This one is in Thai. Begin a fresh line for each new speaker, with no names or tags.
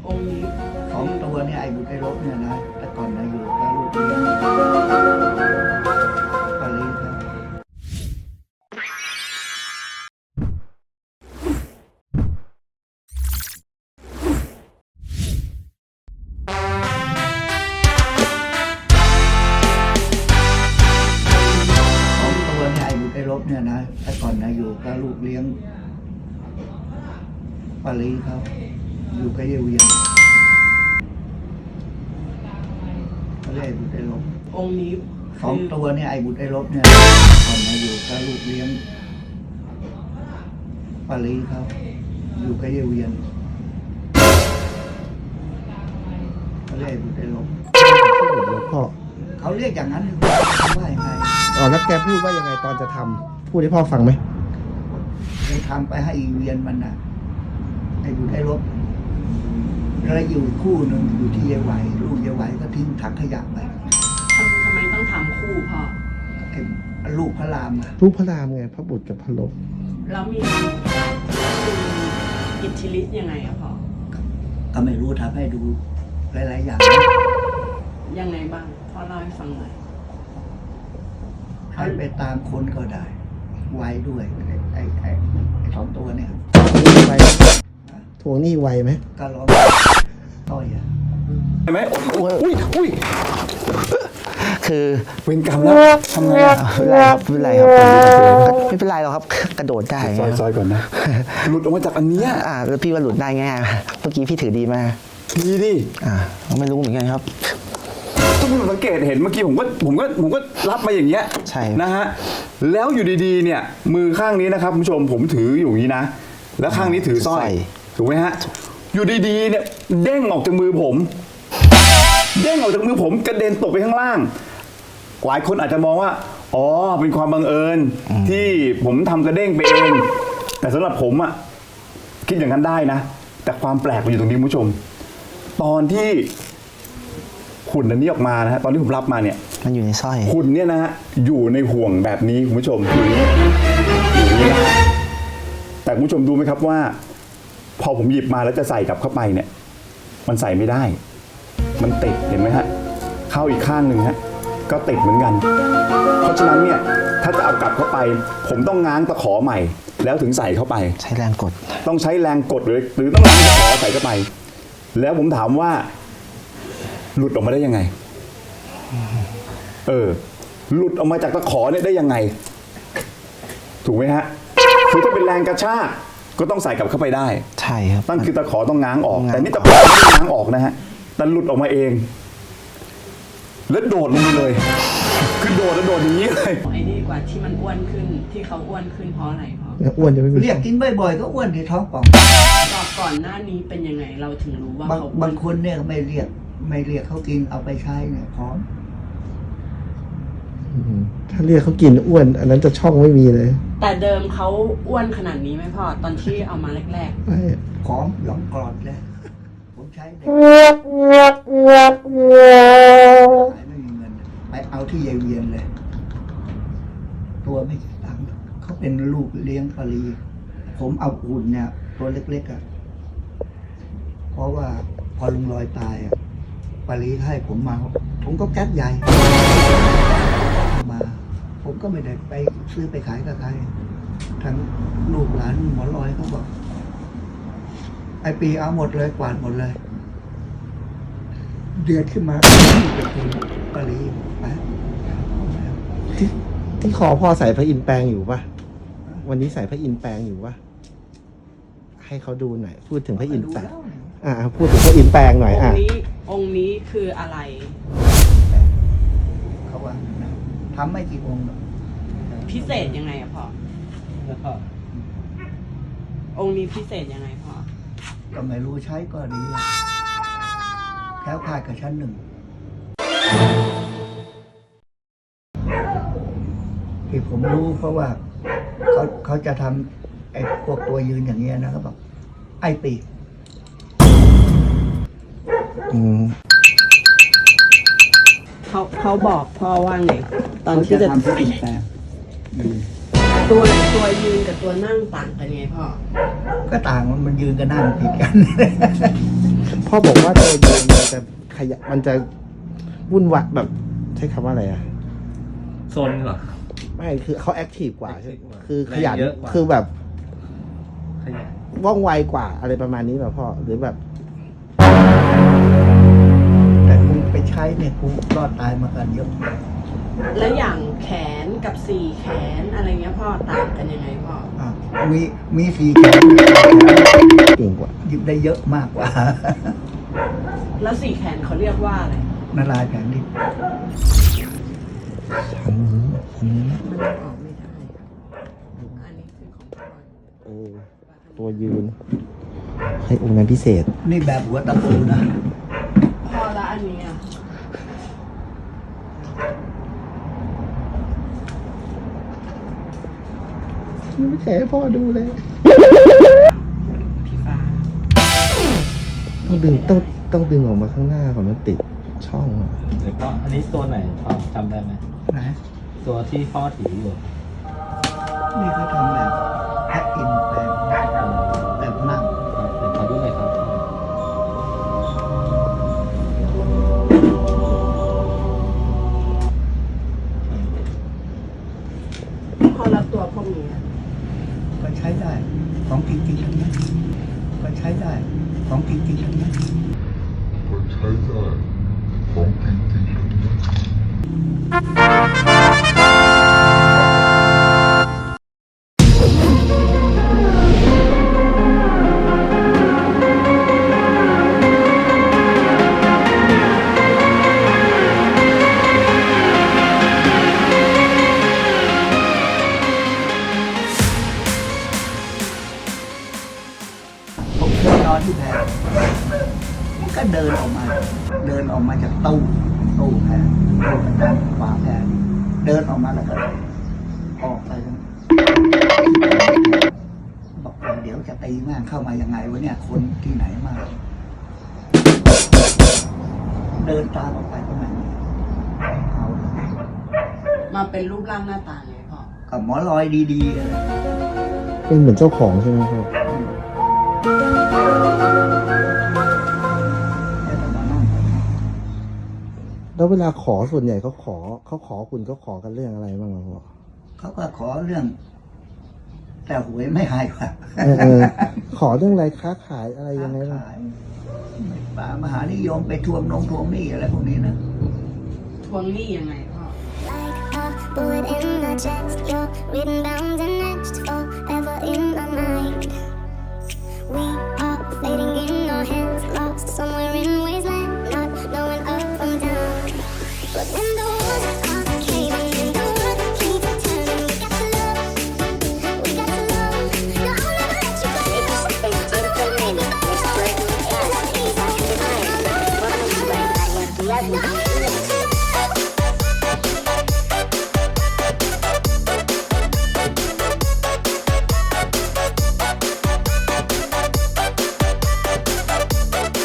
องค์นี้
ของตัวเนี่ยไอ้บุตรไอ้รบเนี่ยนะแต่ก่อนนะอยู่กับลูกเลี้ยงปารีสครับของตัวเนี่ยไอ้บุตรไอ้รบเนี่ยนะแต่ก่อนนะอยู่กับลูกเลี้ยงปารีสครับอยู่กับเยเวียนเขาเรียกไอ้บุตรไอ้รบ
องค์นี้
ของตัวเนี่ยไอ้บุตรไอ้รบเนี่ยก่อนมาอยู่กับลูกเลี้ยงปารีสครับอยู่กับเยเวียนเขาเรียกไอ้บุตรไอ้รบ
หลวงพ่อ
เขาเรียกอย่างนั้นว่ายังไง
อ๋อแล้วแกพูดว่ายังไงตอนจะทำพูดให้พ่อฟังไหม
ไปทำไปให้อีเวียนมันนะไอ้บุตรไอ้รบแล้วอยู่คู่หนึ่งอยู่ที่เยไหวลูกเยไหวก็ทิ้งถังขยะไป
ทำไมต้องทำคู่พ่อ
ไอ้ลูกพระรามอะ
รูปพระรามไงพระบุตรกับพระลบ
แล้วมีอิทธิฤทธิ์ยังไงอะพ่อ
ก็ไม่รู้ทำให้ดูหลายๆอย่าง
ยังไงบ้างพ่อเล่าให้ฟังหน่อย
ให้ไปตามคนก็ได้ ไวด้วยไอ้สองตัวเนี่ย
ไวทวงหนี้ไวไหม
ก็ร้องต้อยอ่ะ
ใช่ไหมอุ้ย
คือ
เวรกรรมแล้วทำไงอ่ะ
ไม่เป็นไรครับไม่เป็นไรหรอกครับกระโดดได้
ซอยก่อนนะ หลุดออกมาจากอันเนี้ย
แล้วพี่ว่าหลุดได้ง่ายเมื่อกี้พี่ถือดีมาก
ดีดิ
ไม่รู้เหมือนกันครับ
ทุกคนสังเกตเห็นเมื่อกี้ผมก็รับมาอย่างเงี้ย
ใช่
นะฮะแล้วอยู่ดีๆเนี่ยมือข้างนี้นะครับคุณผู้ชมผมถืออยู่อย่างนี้นะแล้วข้างนี้ถือสร้อยถูกไหมฮะอยู่ดีๆเนี่ยเด้งออกจากมือผมเด้งออกจากมือผมกระเด็นตกไปข้างล่างหลายคนอาจจะมองว่าอ๋อเป็นความบังเอิญที่ผมทำกระเด้งไปเองแต่สำหรับผมอะคิดอย่างนั้นได้นะแต่ความแปลกมันอยู่ตรงนี้คุณผู้ชมตอนที่หุ่นอันนี้ออกมานะฮะตอนที่ผมรับมาเนี่ย
มันอยู่ในสร้อย
หุ่นเนี่ยนะฮะอยู่ในห่วงแบบนี้คุณผู้ชมอยู่นี้นะแต่คุณผู้ชมดูไหมครับว่า พอผมหยิบมาแล้วจะใส่กลับเข้าไปเนี่ยมันใส่ไม่ได้มันติดเห็นไหมฮะเข้าอีกข้างหนึ่งฮะก็ติดเหมือนกันเพราะฉะนั้นเนี่ยถ้าจะเอากลับเข้าไปผมต้องง้างตะขอใหม่แล้วถึงใส่เข้าไป
ใช้แรงกด
ต้องใช้แรงกดหรือต้องง้างตะขอใส่เข้าไปแล้วผมถามว่าหลุดออกมาได้ยังไงหลุดออกมาจากตะขอเนี่ยได้ยังไงถูกไหมฮะคือถ้าเป็นแรงกระชากก็ต้องใส่กลับเข้าไปได้
ใช่ครับ
นั่นคือตะขอต้องง้างออก
ง้าง
แต่นี่ตะขอไม่ได้ง้างออกนะฮะแต่หลุดออกมาเองแล้วโดดลงไปเลยคือโดดแล้วโดดอย่างนี้เลย
ไอ้นี่กว่าที่มันอ้วนขึ้นที่เขาอ้วนขึ้นเพราะอะไรพ่อ
อ้วนจะไม่มี
เรียกกินบ่อยๆก็อ้วนที่ท้องป่อง
ก่อนหน้านี้เป็นยังไงเราถึงรู้ว่าเขา
บางคนเนี่ยไม่เรียกเขากินเอาไปใช้เนี่ยพร้อม
ถ้าเรียกเขากินอ้วน อันนั้นจะช่องไม่มีเลย
แต่เดิมเขาอ้วนขนาดนี้ไหมพ่อตอนที่เอามาแรก
ไม่
พร้อมหลงกรอดเลยผมใช้เด็กไม่มีเงินไปเอาที่ยายเวียนเลย ตัวไม่กี่ตังค์เขาเป็นลูกเลี้ยงปารีสผมเอาอุ่นเนี่ยตัวเล็กๆอ่ะเพราะว่าพอลุงลอยตายอ่ะปารีสให้ผมมาผมก็แก๊สใหญ่มาผมก็ไม่ได้ไปซื้อไปขายกับใครทั้งลูกหลานหมอลอยเขาบอกไอปีเอาหมดเลยกวาดหมดเลย เดือดขึ้นมาเป็นปารีสไป
ที่คอพ่อใส่พระอินทร์แปลงอยู่ปะวันนี้ใส่พระอินทร์แปลงอยู่ปะให้เขาดูหน่อยพูดถึงพระอินทร์แปลงพูดถึงพระอินทร์แปลงห
ๆ
น่อย
องค์นี้คืออะไร
เขาว่าทำไม่กี่องค์หรอก
พิเศษยังไงอะพ่อองค์นี้พิเศษยังไงพ่อ
ก็ไม่รู้ใช้ก็ดีอะแคล้วคลาดกับชั้นหนึ่งที่ผมรู้เพราะว่าเขาจะทำไอ้พวกตัวยืนอย่างเงี้ยนะเขาบอกไอ้ปี
เขาบอกพ่อว่าไงตอนที่จะ
ทำที่อินแปลง
ตัวยืนกับตัวนั่งต่างกันไงพ่อ
ก็ต่างมันยืนกันนั่งผิดกัน
พ่อบอกว่าตัวยืนมันจะมันจะวุ่นวายแบบใช้คำว่าอะไรอ่ะ
โซนเหรอ
ไม่คือเขาแอคทีฟกว่าใช่
active กว่า
คือขยัน
แรงเยอะกว่า
คือแบบ
ขยัน
ว่องไวกว่าอะไรประมาณนี้แบบพ่อหรือแบบ
แต่กูไปใช้เนี่ยกูรอดตายมากันเยอะ
แล้วอย่างแขนกับสี่แขนอะไรเงี้ยพ่อต่างกันยังไงพ่อ
อ่ะมีสี่แขน
เก่งกว่า
หยิบได้เยอะมากกว่า
แล้วสี่แขนเขาเรียกว่าอะไร
นาลายแผงดิบ
อันนี้นะ
มันยังออกไม่ได้อันนี้คือของพ่อ
ตัวยืน ให้องค์นั้นพิเศษ
นี่แบบหัวตะปูนะ
พ่อละอันนี้อ่ะ
ไม่แฉให้พ่อดูเลย
พี่ฟ้า
ต้องดึงออกมาข้างหน้าก่อนมันติดช่องอะ
เดี๋ยวก็อันนี้ตัวไหนพ่อจำได้ไหม
นะ
ตัวที่พ่อถืออยู่
นี่เขาทำแบบแพ็คอินแปลงแบบนั่ง
เดี๋ยวขอดูหน่อยครับ
พ่อละตัวพวกนี้อะ
ก็ใช้ได้ ของจริงๆทั้งนั้นก็ใช้ได้ ของจริงๆทั้งนั้น ผมเคยนอนที่แพรมันก็เดินออกมาจากตู้แพรตู้ประจำฝาแพรนี่เดินออกมาแล้วก็ออกไปบอกว่าเดี๋ยวจะตีแม่งเข้ามายังไงวะเนี่ย คนที่ไหนมา เดินตามออกไปประมาณนี้เอาเลย
มาเป็นรูปร่างหน้าตาไงพ่อ
กับหมอลอยดีๆอะไร
เป็นเหมือนเจ้าของใช่ไหมพ่อ
แล้วก็มานั่ง
แล้วเวลาขอส่วนใหญ่เขาขอคุณเขาขอกันเรื่องอะไรบ้างอะพ่อ
เขาก็ขอเรื่อง แต่หวยไม่หายว่ะ
ขอเรื่องอะไรค้าขายอะไรยังไงบ้าง
ขายป่ามหานิยมไปทวงหนี้อะไรพวกนี้นะ
ทวงหนี้ยังไงพ่อ
Like a bullet in my chest, you're written, bound, and etched forever in my mind. We are fading in our hands, lost somewhere in wasteland, not knowing up from down. But when the walls are caving in, the world keeps turning. We got to love. No, I'll never let you go. It's beautiful, maybe. It's great. It's easy. Welcome to Love.